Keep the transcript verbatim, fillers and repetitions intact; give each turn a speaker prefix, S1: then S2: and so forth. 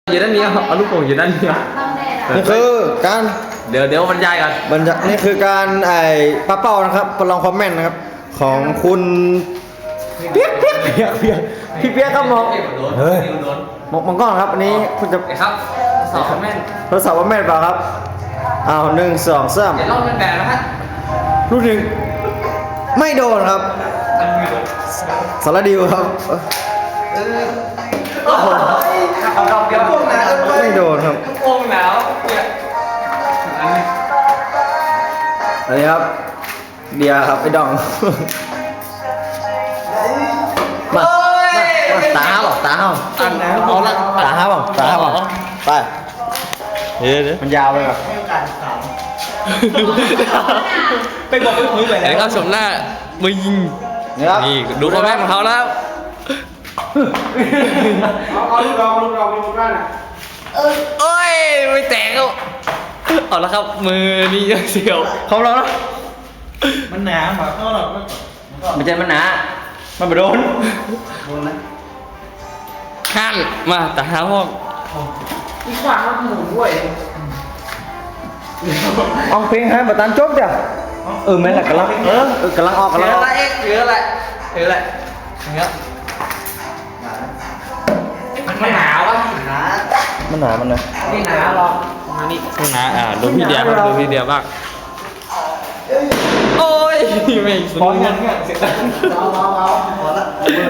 S1: อยู่ด้านนี้ครับเอาลูกโป่งอยู่ด้านนี้ครับ
S2: นี่คือการ
S1: เดี๋ยวเดี๋ยวบรรยายก่อน
S2: บรรยายนี่คือการไอ้ปลาเป้านะครับประลองความแม่นนะครับ ของคุณเปียกเปียกเปียกเปียกพี่เปียกครับมองเฮ้ยมองมองกล้องครับอันนี้คุณจะ
S1: ครับสอบแม่น
S2: ทดสอบว่าแม่นเปล่าครับอ้าวหนึ่งสองสาม
S1: เดี๋ยวลองเป็นแบบนะฮะ
S2: ลูกหนึ่งไม่โดนครับสารดิวครับ
S1: เอาดอกเดียวพวกหนาว
S2: ไม่โดนครับ
S1: พวกหนาวเนี่ยอันนี้
S2: อันนี้ครับเดียครับไอ้ดองมามาตาห้าบอกตาห้า
S1: อันแล้วเอาละ
S2: ตาห้าบอกตาห้าบอกไปเดี๋ยวเดี๋ยวมันยาวไปแบบ
S1: ไปบอกไปคุยไปแล้วครับชมหน้ามึง
S2: นี่ครับ
S1: นี่ดูคอมเมนต์ของเขาแล้ว
S3: เอาเอาลูกดอกลูกดอกลูกด้านอ่ะ
S1: เอ้ยไม่แตกแล้วเอาละครับมือนี่เสียว
S2: เขาเราแล้ว
S3: มันหนาหมาเข้าหรอก
S2: มันจะมันหนามันไม่โดน
S1: ข้านมาแต่หาห้อง
S3: อีกฝั่งมันหมุนด้วย
S2: เอาเพลงให้มาตันจบจ้ะเออแม่นแหละกำลังเออเออกำลังออกกำ
S1: เย
S2: ลังอ
S1: อะ
S2: อก
S1: ละเอ็กเยอะละเยอะละอย่างเงี้ยมันหนาวะ
S2: มันหนามันนะ
S1: ไม่หนาวหรอกมานี่ไม่หนาอ่าดูพี่เดียบ้างดูพี่เดียบ้างโอ้ยไม่สนุก
S2: เสียงดัง
S3: เอาเอาเอาพอละ